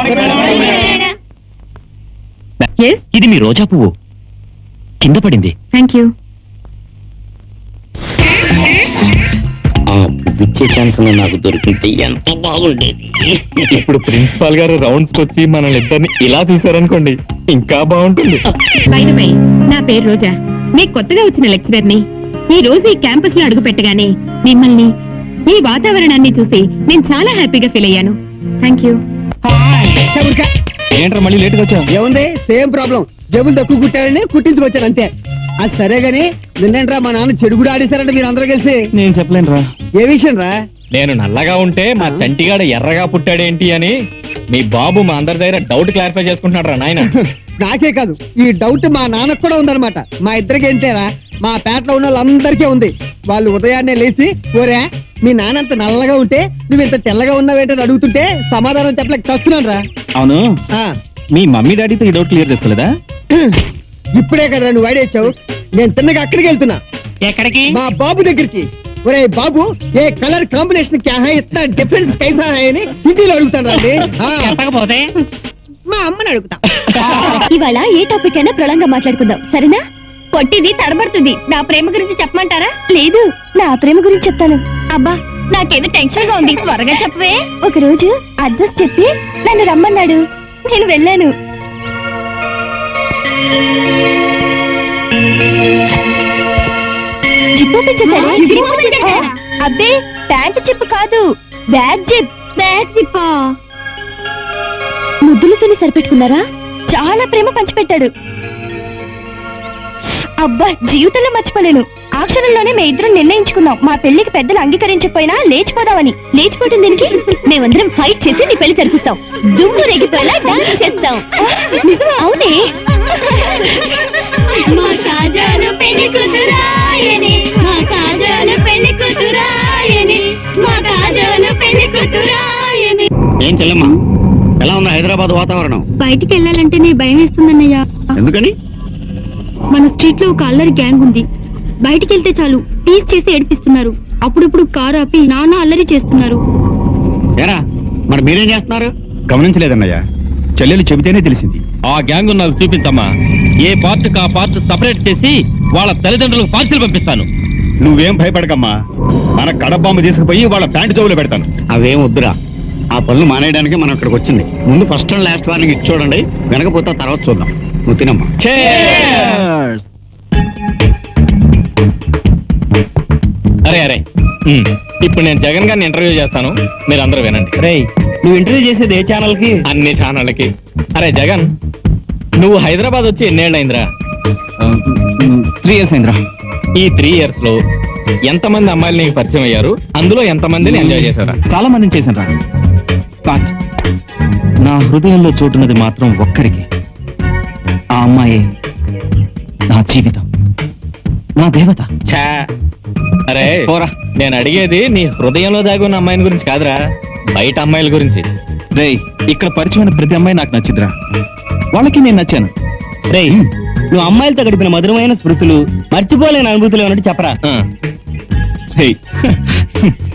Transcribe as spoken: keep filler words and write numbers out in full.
ఇది మీ రోజా పువ్వు కింద పడింది. Thank you. ఇచ్చే ఛాన్స్ నాకు దొరికింది ఎంత బాగుండేది. ఇప్పుడు ప్రిన్సిపాల్ గారు రౌండ్స్ వచ్చి మనల్ని ఇద్దరిని ఇలా చూసారనుకోండి ఇంకా బాగుంటుంది. బై ది బై, నా పేరు రోజా, మీకు కొత్తగా వచ్చిన లెక్చరర్ ని. ఈ రోజు ఈ క్యాంపస్ లో అడుగు పెట్టగానే మిమ్మల్ని, ఈ వాతావరణాన్ని చూసి నేను చాలా హ్యాపీగా ఫీల్ అయ్యాను. Thank you. ఏంట్రా మళ్ళీ లేట్గా వచ్చా? ఏముంది, సేమ్ ప్రాబ్లం. జబ్బులు తక్కువ కుట్టాడని కుట్టించుకొచ్చాను అంతే. అది సరే గాని నిన్నేంట్రా మా నాన్న చెడు కూడా ఆడేశారంటే మీరు అందరూ కలిసి. నేను చెప్పలేనురా. ఏ విషయం రా? నేను నల్లగా ఉంటే మా చంటిగాడు ఎర్రగా పుట్టాడేంటి అని మీ బాబు మా అందరి దగ్గర డౌట్ క్లారిఫై చేసుకుంటున్నాడు రా నాయన. నాకే కాదు, ఈ డౌట్ మా నాన్నకు కూడా ఉందన్నమాట. మా ఇద్దరికి ఏంటేరా, మా పేటలో ఉన్న వాళ్ళందరికీ ఉంది. వాళ్ళు ఉదయాన్నే లేచి, ఓరే మీ నాన్న అంత నల్లగా ఉంటే నువ్వు ఇంత తెల్లగా ఉన్నావేంటని అడుగుతుంటే సమాధానం చెప్పలేక చస్తున్నాను రా. అవును, మీ మమ్మీ డాడీతో ఈ డౌట్ క్లియర్ చేసుకోలేదా? ఇప్పుడే కదా నువ్వు వాడేచ్చావు. నేను తిన్నగా అక్కడికి వెళ్తున్నా. ఎక్కడికి? మా బాబు దగ్గరికి. ఒరే బాబు, ఏ కలర్ కాంబినేషన్ క్యా హై, ఇतना డిఫరెన్స్ कैसा है అని హిందీలో అడుగుతాను రండి. చెప్పకపోతే మా అమ్మని అడుగుతా. ఇవాళ ఏ టాపిక్ అయినా ప్రళంగా మాట్లాడుకుందాం, సరేనా? పొట్టిది తడబడుతుంది. నా ప్రేమ గురించి చెప్పమంటారా? లేదు, నా ప్రేమ గురించి చెప్తాను. అబ్బా, నాకేదో టెన్షన్ గా ఉంది, త్వరగా చెప్పవే. ఒక రోజు అడ్రస్ చెప్పి నన్ను రమ్మన్నాడు. నేను వెళ్ళాను. జిప్ ఓపెన్ చేశాడా? అబ్బే, ప్యాంట్ జిప్ కాదు, బ్యాగ్ జిప్. బ్యాగ్ జిప్పా? ముద్దులతోనే సరిపెట్టుకున్నారా? చాలా ప్రేమ పంచిపెట్టాడు. అబ్బా, జీవితంలో మర్చిపోలేను. ఆ క్షణంలోనే మేము ఇద్దరం నిర్ణయించుకున్నాం, మా పెళ్లికి పెద్దలు అంగీకరించకపోయినా లేచిపోదామని. లేచిపోవటం దీనికి మేమందరం ఫైట్ చేసి నీ పెళ్లి జరిపిస్తాం. దుమ్ము రేగిపోయేలా డాన్స్ చేస్తాం. నిజమా? అవునే. మా కాజాలు పెళ్లి కూతురాయని, మా కాజాలు పెళ్లి కూతురాయని, మా కాజాలు పెళ్లి కూతురాయని. ఏం చెల్లమ్మా, ఎలా ఉంది హైదరాబాద్ వాతావరణం? బయటికి వెళ్ళాలంటే నీ భయం వేస్తుందన్నయ్యా. ఎందుకని? మన స్ట్రీట్ లో ఒక అల్లరి గ్యాంగ్ ఉంది. బయటికి వెళ్తే చాలు టీస్ చేసి ఏడిపిస్తున్నారు. అప్పుడప్పుడు కారు ఆపి నాన్న అల్లరి చేస్తున్నారు. ఏరా, మరి మీరేం చేస్తున్నారు? గమనించలేదన్నయ్య, చెల్లెలు చెబితేనే తెలిసింది. ఆ గ్యాంగ్ నాకు చూపించమ్మా. ఏ పార్ట్ కా పార్ట్ సపరేట్ చేసి వాళ్ళ తల్లిదండ్రులకు పార్సిల్ పంపిస్తాను. నువ్వేం భయపడకమ్మా, మన కడబాంబు తీసుకుపోయి వాళ్ళ ప్యాంటు చెవులు పెడతాను. అవేం వద్దురా, ఆ పనులు మానేయడానికి మనం ఇక్కడికి వచ్చింది. ముందు ఫస్ట్ అండ్ లాస్ట్ వార్నింగ్ ఇచ్చి చూడండి, వెనకపోతే తర్వాత చూద్దాం. నువ్వు తినమ్మా. అరే అరే, ఇప్పుడు నేను జగన్ గారిని ఇంటర్వ్యూ చేస్తాను, మీరు అందరూ వినండి. రే, నువ్వు ఇంటర్వ్యూ చేసేది ఏ ఛానల్ కి? అన్ని ఛానళ్ళకి. అరే జగన్, నువ్వు హైదరాబాద్ వచ్చి ఎన్నేళ్ళైందిరా? త్రీ ఇయర్స్ అయిందిరా. ఈ త్రీ ఇయర్స్ లో ఎంతమంది అమ్మాయిలు నీకు పరిచయం అయ్యారు? అందులో ఎంతమందిని ఎంజాయ్ చేశారా? చాలా మందిని చేశాను రా. బట్ నా హృదయంలో చోటున్నది మాత్రం ఒక్కరికి. ఆ అమ్మాయి నా జీవితం, నా దేవత. ఛా, అరే పోరా, నేను అడిగేది నీ హృదయంలో దాగి ఉన్న అమ్మాయిని గురించి కాదురా, బయట అమ్మాయిల గురించి. రేయ్, ఇక్కడ పరిచయమైన ప్రతి అమ్మాయి నాకు నచ్చిందిరా, వాళ్ళకి నేను నచ్చాను. రేయ్, నువ్వు అమ్మాయిలతో గడిపిన మధురమైన స్మృతులు, మర్చిపోలేని అనుభూతులు ఏమన్నట్టు చెప్పరా? ఆ. రేయ్